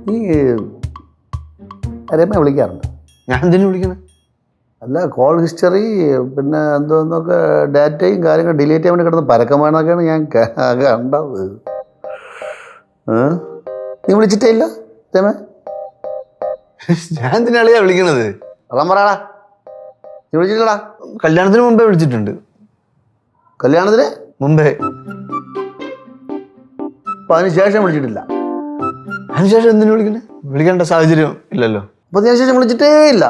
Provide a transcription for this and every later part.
നീ രമയെ വിളിക്കാറുണ്ട്? ഞാൻ എന്തിനു വിളിക്കുന്നത്? അല്ല, കോൾ ഹിസ്റ്ററി പിന്നെ എന്തോന്നൊക്കെ ഡാറ്റയും കാര്യങ്ങളും ഡിലീറ്റ് ചെയ്യാൻ വേണ്ടി കിടന്ന് പരക്കം വേണമെന്നൊക്കെയാണ് ഞാൻ കണ്ടത്. നീ വിളിച്ചിട്ടേ ഇല്ല രമേ? ഞാൻ എന്തിനാളിയാ വിളിക്കണത്? അതാ പറയാടാ, നീ വിളിച്ചിട്ടില്ലടാ? കല്യാണത്തിന് മുമ്പേ വിളിച്ചിട്ടുണ്ട്. കല്യാണത്തിന് മുമ്പേ. അപ്പം അതിന് ശേഷം വിളിച്ചിട്ടില്ല? അതിനുശേഷം എന്തിനു വിളിക്കണേ? വിളിക്കേണ്ട സാഹചര്യം ഇല്ലല്ലോ. അപ്പം അതിന് ശേഷം വിളിച്ചിട്ടേ ഇല്ല?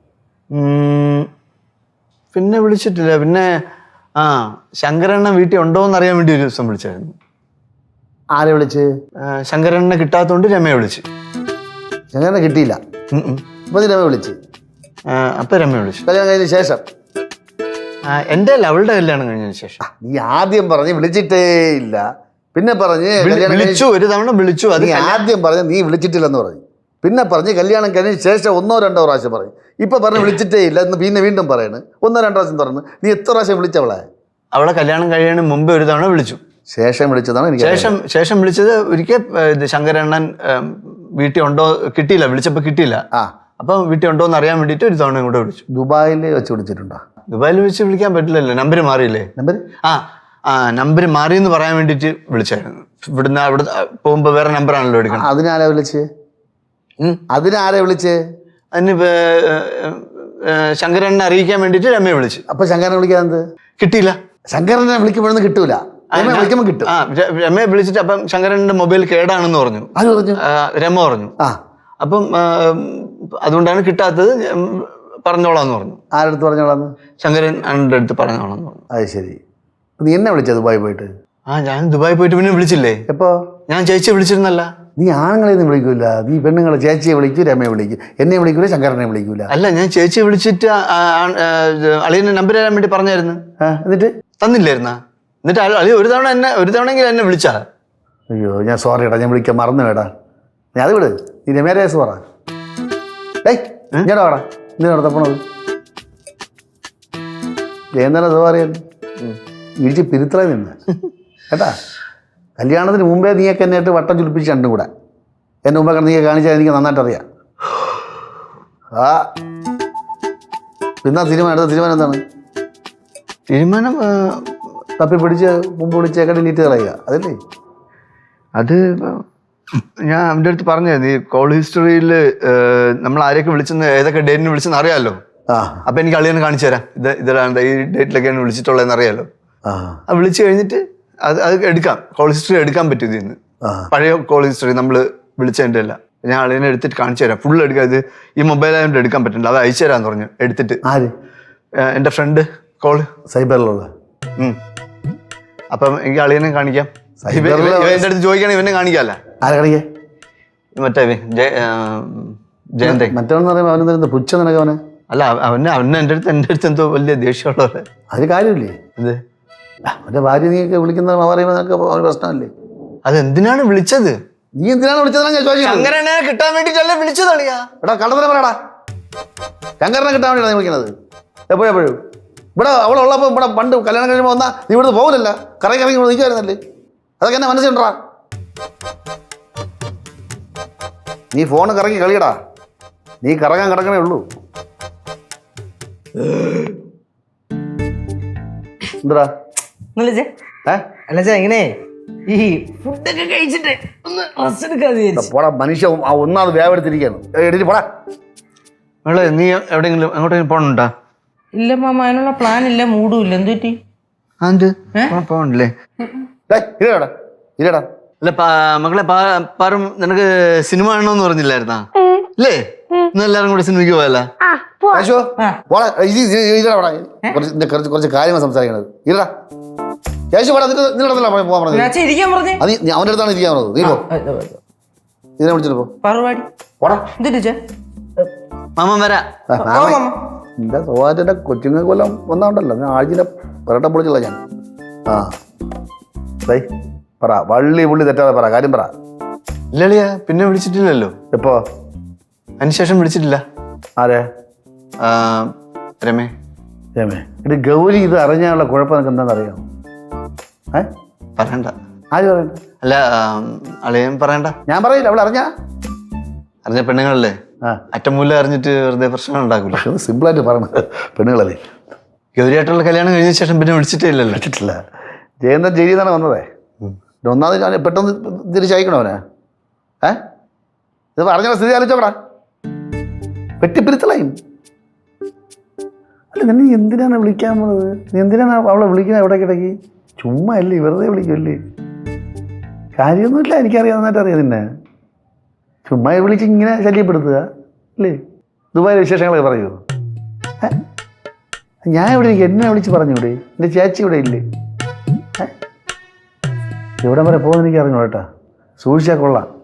പിന്നെ വിളിച്ചിട്ടില്ല. പിന്നെ ശങ്കരണ്ണ വീട്ടിൽ ഉണ്ടോ എന്ന് അറിയാൻ വേണ്ടി ഒരു ദിവസം വിളിച്ചായിരുന്നു. ആരെ വിളിച്ച്? ശങ്കരണ്ണ കിട്ടാത്തോണ്ട് രമയെ വിളിച്ച്. ശങ്കരനെ കിട്ടിയില്ല? അപ്പം നീ രമയെ വിളിച്ച്? അപ്പം രമയെ വിളിച്ചു. കല്യാണം കഴിഞ്ഞ ശേഷം? എൻ്റെ അല്ല, അവളുടെ കല്യാണം കഴിഞ്ഞതിന് ശേഷം. നീ ആദ്യം പറഞ്ഞ് വിളിച്ചിട്ടേ ഇല്ല, പിന്നെ പറഞ്ഞ് വിളിച്ചു, ഒരു തവണ വിളിച്ചു. അത് ആദ്യം പറഞ്ഞ് നീ വിളിച്ചിട്ടില്ലെന്ന് പറഞ്ഞു, പിന്നെ പറഞ്ഞ് കല്യാണം കഴിഞ്ഞ ശേഷം 1-2 പ്രാവശ്യം പറയും. ഇപ്പൊ പറഞ്ഞ് വിളിച്ചിട്ടേ ഇല്ല എന്ന് പിന്നെ വീണ്ടും പറയണ്. 1-2 പ്രാവശ്യം പറഞ്ഞു. നീ എത്ര പ്രാവശ്യം വിളിച്ചവളെ? അവളെ കല്യാണം കഴിയാൻ മുമ്പ് ഒരു തവണ വിളിച്ചു. ശേഷം വിളിച്ചതാണ് എനിക്ക്. ശേഷം വിളിച്ചത് ഒരിക്കൽ ശങ്കരണ്ണൻ വീട്ടിൽ ഉണ്ടോ, കിട്ടിയില്ല, വിളിച്ചപ്പോൾ കിട്ടിയില്ല. അപ്പം വീട്ടിൽ ഉണ്ടോ എന്ന് അറിയാൻ വേണ്ടിയിട്ട് ഒരു തവണ കൂടെ വിളിച്ചു. ദുബായിൽ വെച്ച് വിളിച്ചിട്ടുണ്ടോ? ദുബായിൽ വെച്ച് വിളിക്കാൻ പറ്റില്ലല്ലോ, നമ്പർ മാറിയില്ലേ. നമ്പർ മാറിയെന്ന് പറയാൻ വേണ്ടിയിട്ട് വിളിച്ചായിരുന്നു. ഇവിടുന്ന് അവിടെ പോകുമ്പോ വേറെ നമ്പറാണല്ലോ എടുക്കണം. അതിനാരാ വിളിച്ച്? അതിനാരെ വിളിച്ച്? അതിന് ശങ്കരനെ അറിയിക്കാൻ വേണ്ടിട്ട് രമയെ വിളിച്ചു. അപ്പൊ ശങ്കരനെ വിളിക്കാൻ കിട്ടിയില്ല. ശങ്കരനെ വിളിക്കുമ്പോഴൊന്നും കിട്ടൂല, വിളിക്കുമ്പോ കിട്ടും. രമയെ വിളിച്ചിട്ട് അപ്പം ശങ്കരന്റെ മൊബൈൽ കേടാണെന്ന് പറഞ്ഞു. രമ പറഞ്ഞു. അപ്പം അതുകൊണ്ടാണ് കിട്ടാത്തത്, പറഞ്ഞോളാന്ന് പറഞ്ഞു. ആരടുത്ത് പറഞ്ഞോളാന്ന്? ശങ്കരൻ അണ്ണന്റെ അടുത്ത് പറഞ്ഞോളാന്ന് പറഞ്ഞു. അത് ശരി. നീ എന്നെ വിളിച്ചത് ദുബായി പോയിട്ട്? ഞാൻ ദുബായി പോയിട്ട് പിന്നെ വിളിച്ചില്ലേ. എപ്പോ? ഞാൻ ചേച്ചിയെ വിളിച്ചിരുന്നല്ല. നീ ആണുങ്ങളെ ഒന്നും വിളിക്കൂല, നീ പെണ്ണുങ്ങളെ ചേച്ചിയെ വിളിക്കൂ, രമയെ വിളിക്കും, എന്നെ വിളിക്കൂല, ശങ്കരനെ വിളിക്കൂല. അല്ല, ഞാൻ ചേച്ചിയെ വിളിച്ചിട്ട് അളിയന്റെ നമ്പർ തരാൻ വേണ്ടി പറഞ്ഞായിരുന്നു. എന്നിട്ട് തന്നില്ലായിരുന്ന? എന്നിട്ട് അളി ഒരു തവണയെങ്കിലും എന്നെ വിളിച്ചാ. അയ്യോ, ഞാൻ സോറി ഏട്ടാ, ഞാൻ വിളിക്കാൻ മറന്നു വേടാ. നീ അത് വിട്, നീ രമേരെ കേസ് പറ. ഞാടാ നീ നടത്തപ്പോണത് എന്നാലും അത് പറയാൻ ഇടിച്ച് പിരുത്തറ നിന്ന് കേട്ടാ. കല്യാണത്തിന് മുമ്പേ നീയൊക്കെ എന്നെ ആയിട്ട് വട്ടം ചുലിപ്പിച്ച് രണ്ടും കൂടെ എൻ്റെ മുമ്പേ നീ കാണിച്ചാൽ എനിക്ക് നന്നായിട്ട് അറിയാം. പിന്നെ അടുത്ത തീരുമാനം എന്താണ്? തീരുമാനം തപ്പി പിടിച്ച് മുമ്പ് വിളിച്ചേക്കെ ഡിലീറ്റ് കളയുക, അതല്ലേ? അത് ഞാൻ അവൻ്റെ അടുത്ത് പറഞ്ഞായിരുന്നു. ഈ കോൾ ഹിസ്റ്ററിയിൽ നമ്മൾ ആരെയൊക്കെ വിളിച്ചെന്ന്, ഏതൊക്കെ ഡേറ്റിന് വിളിച്ചെന്ന് അറിയാമല്ലോ. അപ്പം എനിക്ക് അളിയനെ കാണിച്ചു തരാം, ഇതിലാണ് ഈ ഡേറ്റിലൊക്കെയാണ് വിളിച്ചിട്ടുള്ളതെന്ന് അറിയാമല്ലോ. അത് വിളിച്ചു കഴിഞ്ഞിട്ട് അത് എടുക്കാം, കോൾ ഹിസ്റ്ററി എടുക്കാൻ പറ്റും ഇതിൽ നിന്ന്. പഴയ കോൾ ഹിസ്റ്ററി നമ്മൾ വിളിച്ചതിൻ്റെ അല്ല. ഞാൻ അളിയനെ എടുത്തിട്ട് കാണിച്ചു തരാം, ഫുൾ എടുക്കാം. ഇത് ഈ മൊബൈലായതുകൊണ്ട് എടുക്കാൻ പറ്റില്ല, അത് അയച്ചു തരാമെന്ന് പറഞ്ഞു. എടുത്തിട്ട് എൻ്റെ ഫ്രണ്ട് കോൾ സൈബറിലുള്ള. അപ്പം എനിക്ക് അളിയനെ കാണിക്കാം. എൻ്റെ അടുത്ത് ചോദിക്കുകയാണെങ്കിൽ ഇവനെ കാണിക്കാമല്ല. ആരെ കാണിക്കേ? മറ്റേ ജയന്തേ. മറ്റവനെന്ന് പറയുമ്പോൾ അവനെന്താ പുച്ഛം നിനക്കവനെ? അല്ല, അവന് എൻ്റെ അടുത്ത് എന്തോ വലിയ ദേഷ്യമുള്ളവരെ. അതിന് കാര്യമില്ലേ? എന്ത് അവൻ്റെ ഭാര്യ നീയൊക്കെ വിളിക്കുന്ന പറയുമ്പോൾ നിനക്ക് പ്രശ്നമല്ലേ? അതെന്തിനാണ് വിളിച്ചത്? നീ എന്തിനാണ് വിളിച്ചതാണ് ഞാൻ ചോദിച്ചത്. ശങ്കരനെ കിട്ടാൻ വേണ്ടിട്ടല്ലേ വിളിച്ചതളിയാ. എടാ കള്ളത്തരം പറയടാ, ശങ്കരനെ കിട്ടാൻ വേണ്ടിയാണ് നീ വിളിക്കുന്നത്. എപ്പോഴും ഇവിടെ അവളുള്ളപ്പോൾ ഇവിടെ പണ്ട് കല്യാണം കഴിയുമ്പോൾ വന്നാൽ നീ ഇവിടുന്ന് പോകില്ലല്ല, കറങ്ങി ഇവിടെ നിൽക്കുമായിരുന്നല്ലേ. അതൊക്കെ എന്നെ മനസ്സിലുണ്ടാ. നീ ഫോണ് കറങ്ങി കളിയടാ, നീ കറങ്ങാൻ കിടക്കണേ ഉള്ളൂ. എന്താ എങ്ങനെ ഈ ഫുഡൊക്കെ കഴിച്ചിട്ട് ഒന്ന് റെസ്റ്റ് എടുക്കാതെ പോടാ മനുഷ്യ, ഒന്നാമത് വേവെടുത്തിരിക്കുകയാണ്. എഴുതി പോടാ. നീ എവിടെയെങ്കിലും എങ്ങോട്ടെങ്കിലും പോകണുണ്ടാ? ഇല്ല മാമ, അതിനുള്ള പ്ലാൻ ഇല്ല, മൂഡും ഇല്ല. എന്ത് പറ്റി? പോകണ്ടല്ലേ? ഇല്ലടാ. അല്ല മക്കളെ, പാറും നിനക്ക് സിനിമ കാണണമെന്ന് പറഞ്ഞില്ലായിരുന്നാ? അല്ലേ? ഇന്ന് എല്ലാവരും കൂടെ സിനിമയ്ക്ക് പോയല്ല? കുറച്ച് കാര്യങ്ങൾ സംസാരിക്കണത്. ഇല്ലടാ അവന്റെ അടുത്താണ് ഇരിക്കാൻ പറഞ്ഞത്. നീ പോ, ഇതിനെ വിളിച്ചിട്ട് പോ. മാമൻ വരാ. എന്റെ സ്വഭാവത്തിന്റെ കൊച്ചുങ്ങൾക്ക് കൊല്ലം വന്നോണ്ടല്ലോ ഞാൻ ആഴ്ചയിലെ പെരട്ടം പൊളിച്ചുള്ള ഞാൻ. പറ, വള്ളി പുള്ളി തെറ്റാതെ പറ, കാര്യം പറ. ഇല്ലളിയാ, പിന്നെ വിളിച്ചിട്ടില്ലല്ലോ. എപ്പോ? അതിനുശേഷം വിളിച്ചിട്ടില്ല. ആരെ? രമേ. ഇത് ഗൗരി ഇത് അറിഞ്ഞാലുള്ള കുഴപ്പം നിനക്ക് എന്താണെന്നറിയാമോ? പറയണ്ട. ആര് പറയണ്ട? അല്ല, അളിയൻ പറയണ്ട. ഞാൻ പറയില്ല, അവൾ അറിഞ്ഞാ അറിഞ്ഞ പെണ്ണുങ്ങളല്ലേ, ആ അറ്റമൂല അറിഞ്ഞിട്ട് വെറുതെ പ്രശ്നം ഉണ്ടാക്കൂല. പക്ഷെ അത് സിമ്പിളായിട്ട് പറയണത് പെണ്ണുങ്ങളല്ലേ. ഗൗരിയായിട്ടുള്ള കല്യാണം കഴിഞ്ഞ ശേഷം പിന്നെ വിളിച്ചിട്ടേ ഇല്ലല്ലോ. വിളിച്ചിട്ടില്ല. ജയന്തൻ ജയിലിൽ നിന്നാണ് വന്നതേ. ഒന്നാമത് ഞാൻ പെട്ടെന്ന് തിരിച്ചയക്കണോ അവനെ? ഇത് പറഞ്ഞ സ്ഥിതി ആലോചിച്ചോക്കടാ, വെട്ടിപ്പിരിത്തളയും. അല്ല നിന്നെ എന്തിനാണ് വിളിക്കാൻ പോണത്? നീ എന്തിനാണ് അവളെ വിളിക്കുന്നത് ഇടയ്ക്കിടയ്ക്ക്? ചുമ്മാ അല്ലേ, വെറുതെ വിളിക്കുമല്ലേ? കാര്യമൊന്നുമില്ല, എനിക്കറിയാം, നന്നായിട്ട് അറിയാം നിന്നെ. ചുമ്മാ വിളിച്ച് ഇങ്ങനെ ശല്യപ്പെടുത്തുക അല്ലേ? ദുബായിലെ വിശേഷങ്ങളൊക്കെ പറയൂ. ഞാൻ ഇവിടെ ഇരിക്കും, എന്നെ വിളിച്ച് പറഞ്ഞൂടെ? എൻ്റെ ചേച്ചി ഇവിടെ ഇല്ലേ? എവിടെ വരെ പോകുമെന്ന് എനിക്ക് അറിഞ്ഞു കേട്ടാ, സൂക്ഷിച്ചാൽ കൊള്ളാം.